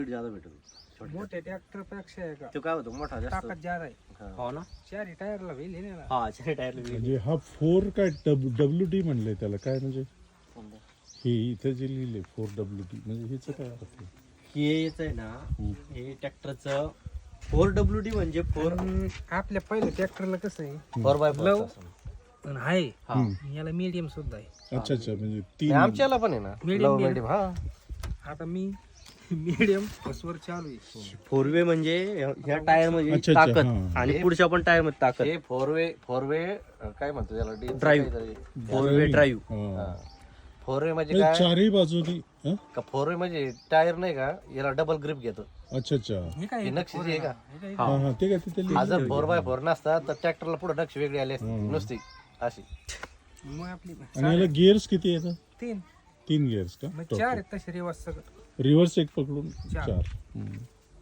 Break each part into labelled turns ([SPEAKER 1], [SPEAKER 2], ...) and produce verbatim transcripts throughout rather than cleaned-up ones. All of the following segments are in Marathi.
[SPEAKER 1] ज्यादा भेटतो
[SPEAKER 2] मोठ्या ट्रॅक्टर पेक्षा आहे का
[SPEAKER 1] तो काय होतो मोठा जास्त
[SPEAKER 2] ताकद ज्यादा आहे.
[SPEAKER 3] हो ना.
[SPEAKER 2] चारी टायरला व्हील आहे ना.
[SPEAKER 3] हा चार टायर
[SPEAKER 4] म्हणजे हा फोर काय डब्ल्यू डी म्हणले त्याला काय म्हणजे हे इथे जे लिहिले फोर डब्ल्यू डी म्हणजे हेच काय अर्थ आहे?
[SPEAKER 3] हेच आहे ना हे ट्रॅक्टरचं फोर डब्ल्यू डी म्हणजे फोर
[SPEAKER 2] पण आपल्या पहिल्या ट्रॅक्टरला कसं आहे
[SPEAKER 3] फोर बाय
[SPEAKER 2] लव
[SPEAKER 3] फोर
[SPEAKER 2] पण आहे
[SPEAKER 3] हा
[SPEAKER 2] याला मीडियम सुद्धा आहे.
[SPEAKER 4] अच्छा अच्छा म्हणजे तीन
[SPEAKER 1] आमच्याला पण आहे ना
[SPEAKER 2] Medium,
[SPEAKER 1] Low, medium, हा
[SPEAKER 2] आता मी मीडियम फसवर चालू आहे.
[SPEAKER 3] फोर वे म्हणजे ह्या टायर मध्ये
[SPEAKER 4] अच्छा, अच्छा,
[SPEAKER 3] ताकद
[SPEAKER 4] हा.
[SPEAKER 3] आणि पुढच्या पण टायर मध्ये ताकद.
[SPEAKER 1] हे फोर वे फोर वे काय म्हणतो त्याला
[SPEAKER 3] Drive. Four way drive.
[SPEAKER 4] हा.
[SPEAKER 1] फोर वे म्हणजे
[SPEAKER 4] हे
[SPEAKER 1] काय
[SPEAKER 4] चारही बाजूनी हा?
[SPEAKER 1] का फोर वे म्हणजे टायर नाही का याला डबल ग्रिप घेतो.
[SPEAKER 4] अच्छा अच्छा
[SPEAKER 2] हे काय
[SPEAKER 1] हे नक्षीची आहे का
[SPEAKER 2] हे काय
[SPEAKER 4] हा हा ते काय तिथे
[SPEAKER 1] हा
[SPEAKER 4] लिहिलं
[SPEAKER 1] जर फोर बाय फोर नसता तर ट्रॅक्टरला पुढे नक्षी वेगळी आली असती नुसती अशी.
[SPEAKER 2] मग आपली
[SPEAKER 4] आणि याला गिअर्स किती येतात?
[SPEAKER 2] तीन
[SPEAKER 4] तीन गिअर्स का
[SPEAKER 2] मग चार आहेत तसे रिवर्स सगळं.
[SPEAKER 4] रिव्हर्स एक पकडून
[SPEAKER 2] चार.
[SPEAKER 4] चार हम्म.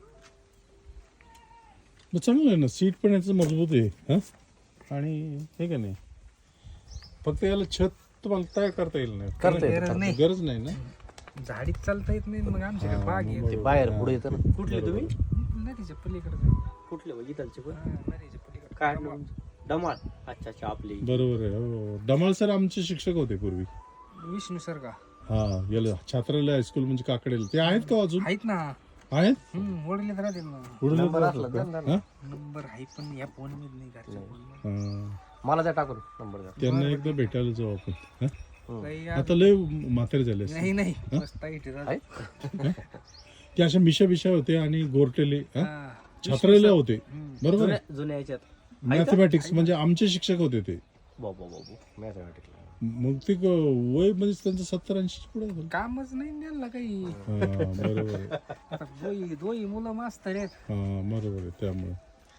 [SPEAKER 4] मग चांगलं आहे ना सीट पण याचं मजबूत आहे हा आणि हे का नाही फक्त याला छत तुम्हाला तयार करता येईल नाही
[SPEAKER 1] करता येतं,
[SPEAKER 2] गरज नाही.
[SPEAKER 4] गरज नाही ना
[SPEAKER 2] झाडीत चालता येत नाही मग आमच्याकडे बाग आहे
[SPEAKER 1] ते बाहेर पुढे येतं ना.
[SPEAKER 3] कुठले तुम्ही
[SPEAKER 2] नदीच्या पलीकडे
[SPEAKER 3] कुठले म्हणजे इथलचे पण
[SPEAKER 2] नदीच्या पलीकडे
[SPEAKER 3] काय डमाळ. अच्छा अच्छा आपली
[SPEAKER 4] बरोबर आहे हो डमाळ सर आमचे शिक्षक होते पूर्वी
[SPEAKER 2] विष्णू सर का
[SPEAKER 4] हा याला छात्रालय हायस्कूल म्हणजे काकडेला ते आहेत का अजून
[SPEAKER 2] आहेत ना.
[SPEAKER 4] आहेत
[SPEAKER 2] हम्म वडील राहतील ना.
[SPEAKER 4] उडून
[SPEAKER 1] नंबर असला
[SPEAKER 4] का?
[SPEAKER 1] तर
[SPEAKER 4] हा?
[SPEAKER 2] नंबर आहे पण या फोन मध्ये नाही घरच्या फोन
[SPEAKER 4] हा.
[SPEAKER 1] मला त्या टाकून नंबर द्या.
[SPEAKER 4] त्यांना एकदा भेटायला जाऊ आपण हा?
[SPEAKER 2] काही
[SPEAKER 4] आता लय म्हातारे झाले असतील.
[SPEAKER 2] नाही नाही मस्त आहे ते दादा.
[SPEAKER 1] आहे?
[SPEAKER 4] ते अशा मिशा बिशा होते आणि गोरटेले हा?
[SPEAKER 2] हा.
[SPEAKER 4] छात्रालय होते
[SPEAKER 2] हम्म.
[SPEAKER 4] बरोबर
[SPEAKER 3] जुन्या जुन्या याच्यात
[SPEAKER 4] मॅथमॅटिक्स म्हणजे आमचे शिक्षक होते ते
[SPEAKER 3] बाबा बाबू
[SPEAKER 1] मॅथमॅटिक्सला.
[SPEAKER 4] मग ते क- वय म्हणजे त्यांचं सत्तर ऐंशी पुढे असेल.
[SPEAKER 2] कामच नाही द्यायला काही.
[SPEAKER 4] हा, बरोबर आहे
[SPEAKER 2] आता दोई दोई मुलं मास्तर आहेत.
[SPEAKER 4] हा बरोबर आहे त्यामुळे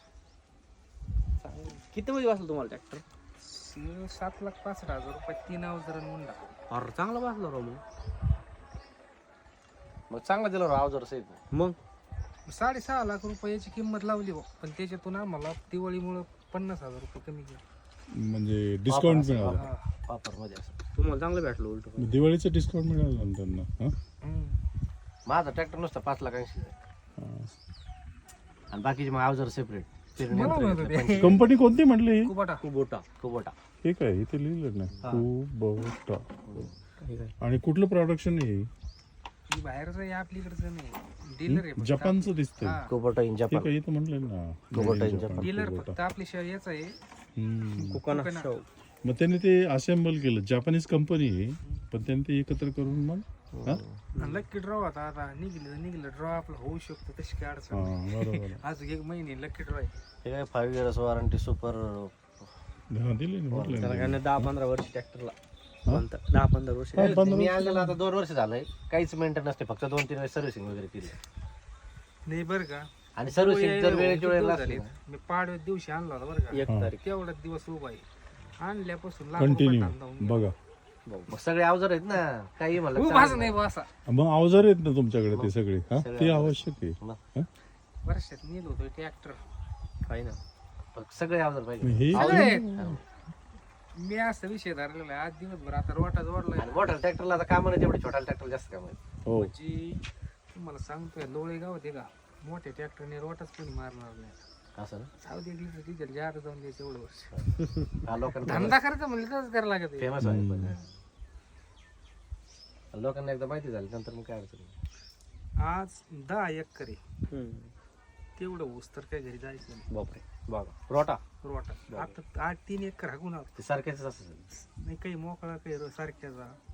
[SPEAKER 3] किती मध्ये बसला तुम्हाला ट्रॅक्टर?
[SPEAKER 2] स- सात लाख पासष्ट हजार रुपये तीन अवजार मुंडा.
[SPEAKER 3] अरे चांगला बसला राव मग.
[SPEAKER 1] मग चांगला दिला राव जर सहित
[SPEAKER 3] मग
[SPEAKER 2] साडेसहा लाख रुपयाची किंमत लावली बुवा. पण त्याच्यातून आम्हाला दिवाळीमुळे पन्नास हजार रुपये कमी केले.
[SPEAKER 4] म्हणजे डिस्काउंट मिळालं
[SPEAKER 2] हा.
[SPEAKER 1] वापर मध्ये असं.
[SPEAKER 3] तुम्हाला चांगलं भेटलं उलट.
[SPEAKER 4] दिवाळीचं डिस्काउंट मिळालं ना त्यांना हा?
[SPEAKER 2] हम्म.
[SPEAKER 1] माझा ट्रॅक्टर नुसता पाच लाख ऐंशी
[SPEAKER 4] हा.
[SPEAKER 1] आणि बाकीचे मग अवजार सेपरेट.
[SPEAKER 2] मला म्हणत होते.
[SPEAKER 4] कंपनी कोणती म्हटली ही?
[SPEAKER 2] कुबाटा.
[SPEAKER 3] कुबोटा.
[SPEAKER 1] कुबोटा.
[SPEAKER 4] हे काय इथे लिहिलं ना
[SPEAKER 1] हा.
[SPEAKER 4] कुबोटा
[SPEAKER 3] हे काय?
[SPEAKER 4] आणि कुठलं प्रोडक्शन आहे हे?
[SPEAKER 2] ही बाहेरचं आहे आपलीकडचं नाही. डीलर आहे फक्त.
[SPEAKER 4] जपानचं दिसतंय
[SPEAKER 2] हा.
[SPEAKER 1] कुबोटा इन
[SPEAKER 4] हे
[SPEAKER 1] जपान.
[SPEAKER 4] काय इथं म्हटलं ना
[SPEAKER 1] Kubota
[SPEAKER 4] Made in
[SPEAKER 1] Japan.
[SPEAKER 4] Japan,
[SPEAKER 2] dealer
[SPEAKER 4] Kubota.
[SPEAKER 2] फक्त आपली शहर याच आहे.
[SPEAKER 4] हम्म.
[SPEAKER 3] Coconut
[SPEAKER 2] coconut.
[SPEAKER 3] शव.
[SPEAKER 4] मग त्यांनी ते असेंबल केलं जापानीज कंपनी आहे पण त्यांनी ते एकत्र करून मग हा?
[SPEAKER 2] आणि लक्की ड्रॉ होता आता निघलं निघलं ड्रॉ आपलं होऊ शकतो तशी काय अडचण
[SPEAKER 4] हा
[SPEAKER 2] नाही.
[SPEAKER 4] बरोबर आहे.
[SPEAKER 2] आज एक महिने लक्की ड्रॉ आहे.
[SPEAKER 1] हे काय फाईव्ह इयर्स वॉरंटी सुपर.
[SPEAKER 4] हा, दिले ना म्हटलं
[SPEAKER 3] त्याला
[SPEAKER 4] ना.
[SPEAKER 3] काय नाही दहा पंधरा वर्ष ट्रॅक्टरला. दहा पंधरा वर्ष.
[SPEAKER 4] हा, पंधरा
[SPEAKER 1] मी आणलेला आता दोन वर्ष झालंय काहीच मेंटेन नसते फक्त दोन तीन वेळेस सर्व्हिसिंग वगैरे केली
[SPEAKER 2] नाही बरं का.
[SPEAKER 1] आणि सर्व्हिसिंग जर वेळेच्या वेळेला
[SPEAKER 2] झाली.
[SPEAKER 1] असली ना,
[SPEAKER 2] मी पाडव्या दिवशी आणला होता बरं का.
[SPEAKER 3] एक
[SPEAKER 4] हा.
[SPEAKER 3] तारीख.
[SPEAKER 2] तेवढाच दिवस उभा आहे. आणल्यापासून लाख रुपये
[SPEAKER 4] कंटिन्यू
[SPEAKER 2] धंदा होऊन गेला.
[SPEAKER 4] बघा
[SPEAKER 1] मग सगळे अवजार आहेत ना काही म्हणलं
[SPEAKER 2] उभाच
[SPEAKER 1] चालेल.
[SPEAKER 2] नाही बा असा.
[SPEAKER 4] मग अवजार आहेत ना तुमच्याकडे ते सगळे हा
[SPEAKER 1] सगळे
[SPEAKER 4] ते
[SPEAKER 1] अवजार.
[SPEAKER 4] आवश्यक आहे
[SPEAKER 1] मग
[SPEAKER 4] हा?
[SPEAKER 2] वर्षात नेलो होतो ट्रॅक्टर.
[SPEAKER 3] काही ना.
[SPEAKER 1] फक्त सगळे अवजार
[SPEAKER 4] मग
[SPEAKER 1] पाहिजे.
[SPEAKER 4] हे
[SPEAKER 2] सगळे. मी असं विषय धरलेला आहे आज दिवसभर आता रोटा जोडलाय.
[SPEAKER 1] आणि मोठ्या ट्रॅक्टरला आता काम नाही तेवढे छोट्या ट्रॅक्टर जास्त काम आहे.
[SPEAKER 4] हो
[SPEAKER 2] म्हणजे तुम्हाला सांगतोय लोळे गाव होते का मोठ्या ट्रॅक्टरने रोटाच कोणी मारणार नाही.
[SPEAKER 1] असं ना?
[SPEAKER 2] जाऊ दे लिटर डिझेल जादा जाऊन द्यायचं एवढं वर्ष.
[SPEAKER 1] हा, लोकांना
[SPEAKER 2] धंदा करायचा म्हणलं तरच करायला लागत आहे.
[SPEAKER 1] फेमस आहे पण. लोकांना एकदा माहिती झाली नंतर मग काय अडचण नाही.
[SPEAKER 2] आज दहा एकर आहे.
[SPEAKER 3] हम्म.
[SPEAKER 2] तेवढं ऊस तर काय घरी जायचं नाही.
[SPEAKER 3] बापरे.
[SPEAKER 1] बघा रोटा
[SPEAKER 2] रोटा आता आठ तीन एकर हागून आहोत.
[SPEAKER 1] ते सारखेच असं
[SPEAKER 2] नाही काही मोकळा काही र- सारख्याचा